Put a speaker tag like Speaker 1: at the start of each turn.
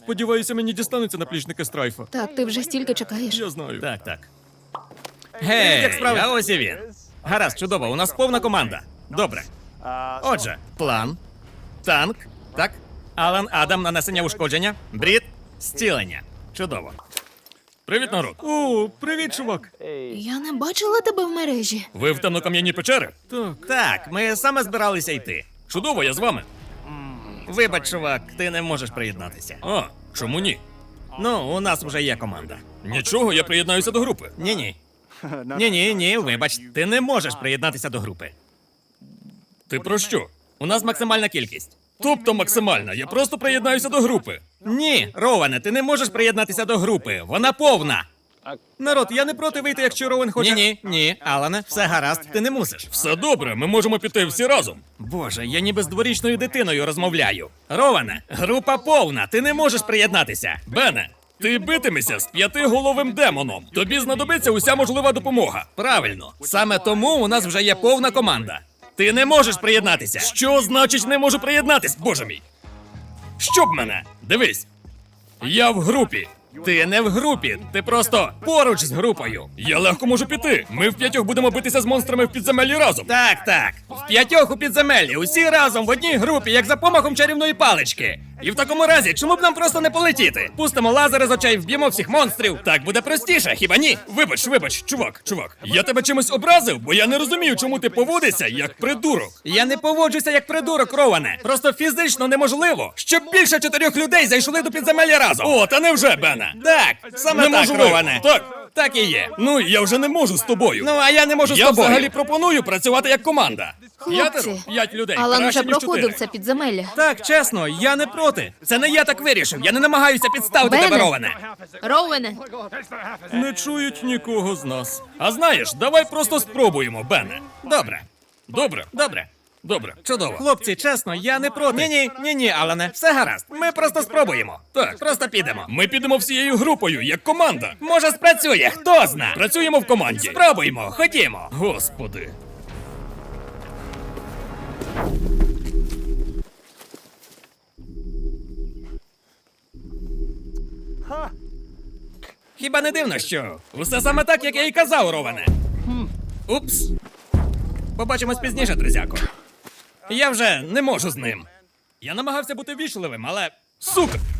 Speaker 1: Сподіваюся, мені дістанеться наплічники Страйфа.
Speaker 2: Так, ти вже стільки чекаєш.
Speaker 1: Я знаю.
Speaker 3: Так, так. Гей,
Speaker 1: як справи?
Speaker 3: а ось і він. Гаразд, чудово, у нас повна команда. Добре. Отже, план, танк, так? Алан, Адам, нанесення ушкодження, Брід, зцілення. Чудово.
Speaker 1: Привіт, народ. О, привіт, чувак.
Speaker 2: Я не бачила тебе в мережі.
Speaker 1: Ви в темнокам'яній печери? Так.
Speaker 3: Так, ми саме збиралися йти.
Speaker 1: Чудово, я з вами.
Speaker 3: Вибач, чувак, ти не можеш приєднатися.
Speaker 1: А, чому ні?
Speaker 3: Ну, у нас вже є команда.
Speaker 1: Нічого, я приєднаюся до групи.
Speaker 3: Ні-ні. Ні, вибач, ти не можеш приєднатися до групи.
Speaker 1: Ти про що?
Speaker 3: У нас максимальна кількість.
Speaker 1: Тобто максимальна, я просто приєднаюся до групи.
Speaker 3: Ні, Роване, ти не можеш приєднатися до групи. Вона повна.
Speaker 1: Народ, я не проти вийти, якщо Роуен хоче.
Speaker 3: Ні, Алане, все гаразд, ти не мусиш.
Speaker 1: Все добре, ми можемо піти всі разом.
Speaker 3: Боже, я ніби з дворічною дитиною розмовляю. Роване, група повна, ти не можеш приєднатися.
Speaker 1: Бене, ти битимешся з 5-головим демоном. Тобі знадобиться уся можлива допомога.
Speaker 3: Правильно, саме тому у нас вже є повна команда. Ти не можеш приєднатися.
Speaker 1: Що значить не можу приєднатись, боже мій? Щоб мене? Дивись. Я в групі.
Speaker 3: Ти не в групі, ти просто поруч з групою.
Speaker 1: Я легко можу піти. Ми в 5 будемо битися з монстрами в підземеллі разом.
Speaker 3: Так, в 5 у підземеллі, усі разом в одній групі, як за помахом чарівної палички. І в такому разі, чому б нам просто не полетіти? Пустимо лазери з очей, вб'ємо всіх монстрів. Так буде простіше, хіба ні?
Speaker 1: Вибач, чувак. Я тебе чимось образив, бо я не розумію, чому ти поводишся як придурок.
Speaker 3: Я не поводжуся як придурок, Роване. Просто фізично неможливо, щоб більше 4 людей зайшли до підземелля разом.
Speaker 1: О, та невже, Бене?
Speaker 3: Так, саме
Speaker 1: Не
Speaker 3: так,
Speaker 1: можу
Speaker 3: Роване.
Speaker 1: Так.
Speaker 3: Так і є.
Speaker 1: Ну, я вже не можу з тобою.
Speaker 3: Ну, а я не можу з
Speaker 1: Я
Speaker 3: тобою.
Speaker 1: взагалі пропоную працювати як команда.
Speaker 2: Хлопці,
Speaker 1: 5 людей.
Speaker 2: Алан
Speaker 1: краще,
Speaker 2: уже
Speaker 1: ніж
Speaker 2: проходив
Speaker 1: 4.
Speaker 2: це підземелля.
Speaker 3: Так, чесно, я не проти. Це не я так вирішив. Я не намагаюся підставити
Speaker 2: Бене.
Speaker 3: тебе, Роване.
Speaker 2: Роуене,
Speaker 1: Не чують нікого з нас. А знаєш, давай просто спробуємо, Бене.
Speaker 3: Добре.
Speaker 1: Добре.
Speaker 3: Чудово. Хлопці, чесно, я не проти. Ні, Алане, все гаразд. Ми просто спробуємо.
Speaker 1: Так.
Speaker 3: Просто підемо.
Speaker 1: Ми підемо всією групою, як команда.
Speaker 3: Може, спрацює, хто зна.
Speaker 1: Працюємо в команді.
Speaker 3: Спробуємо, ходімо.
Speaker 1: Господи.
Speaker 3: Хіба не дивно, що усе саме так, як я і казав, Роване. Упс. Побачимось пізніше, друзяко. Я вже не можу з ним. Я намагався бути вічливим, але...
Speaker 1: Сука!